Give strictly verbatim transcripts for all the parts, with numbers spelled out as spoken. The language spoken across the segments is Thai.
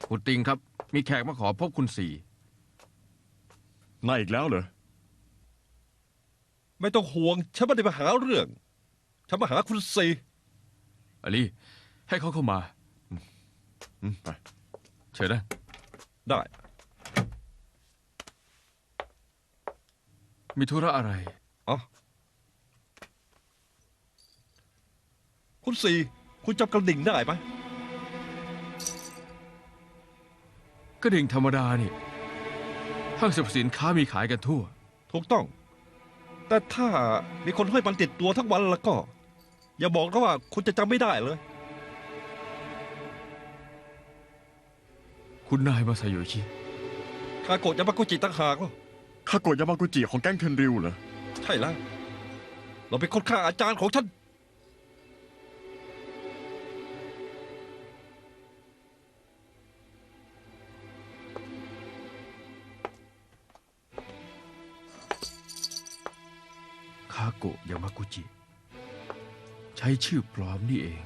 คุณติงครับ มีแขกมาขอพบคุณสี่นายอีกแล้วเหรอไม่ต้องห่วงฉันไม่ได้มาหาเรื่องฉันมาหาคุณซีอลีให้เขาเข้ามาอืมไปเชิญนะได้มีธุระอะไรอ๋อคุณซีคุณจำกระดิ่งได้ไหมก็ดิ่งธรรมดานี่ห้างสรรพสินค้ามีขายกันทั่วถูกต้อง แต่ถ้ามีคนห้อยมันติดตัวทั้งวันแล้วก็ อย่าบอกนะว่าคุณจะจำไม่ได้เลยคุณนายมาซาโยชิคาโกะยามากุจิต่างหากเหรอคาโกะยามากุจิของแก๊งเทนริวเหรอใช่แล้ว เราเป็นคนฆ่าอาจารย์ของฉันคาโกะยามากุจิ ใช้ชื่อปลอมนี่เอง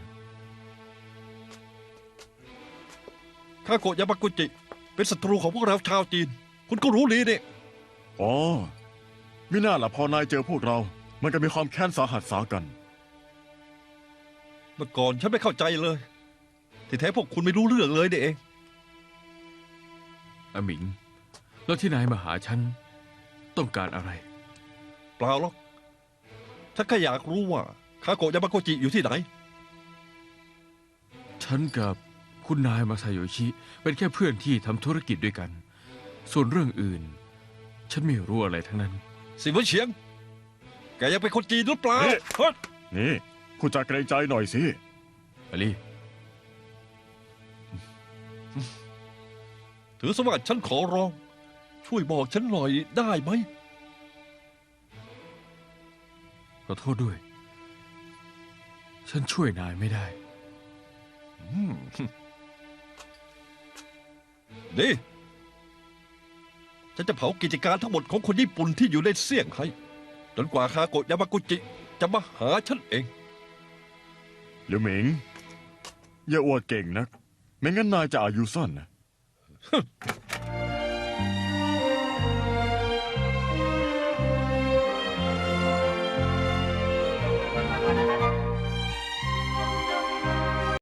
คาโกะยามากุจิ เป็นศัตรูของพวกเราชาวจีน คุณก็รู้ดีนี่อ๋อมิน่าล่ะพอนายเจอพวกเรา มันก็มีความแค้นสาหัสสากันเมื่อก่อนฉันไม่เข้าใจเลย ที่แท้พวกคุณไม่รู้เรื่องเลยนี่เองอาหมิง แล้วที่นายมาหาฉัน ต้องการอะไรเปล่าหรอกฉันแค่อยากรู้ว่าคาโกะยามากุจิอยู่ที่ไหนฉันกับคุณนายมาซาโยชิ เป็นแค่เพื่อนที่ทำธุรกิจด้วยกัน ส่วนเรื่องอื่น ฉันไม่รู้อะไรทั้งนั้นสิเวินเฉียง แกยังเป็นคนจีนหรือเปล่าเอ๊ะเฮ้ยนี่คุณจะเกรงใจหน่อยสิอลีถือสว่าฉันขอร้อง ช่วยบอกฉันหน่อยได้ไหมขอโทษด้วย ฉันช่วยนายไม่ได้อืมดีฉันจะเผากิจการทั้งหมดของคนญี่ปุ่นที่อยู่ในเซี่ยงไฮ้จนกว่าคาโกะยามากุจิจะมาหาฉันเองหรือหมิง อย่าอวดเก่งนัก ไม่งั้นนายจะอายุสั้นนะ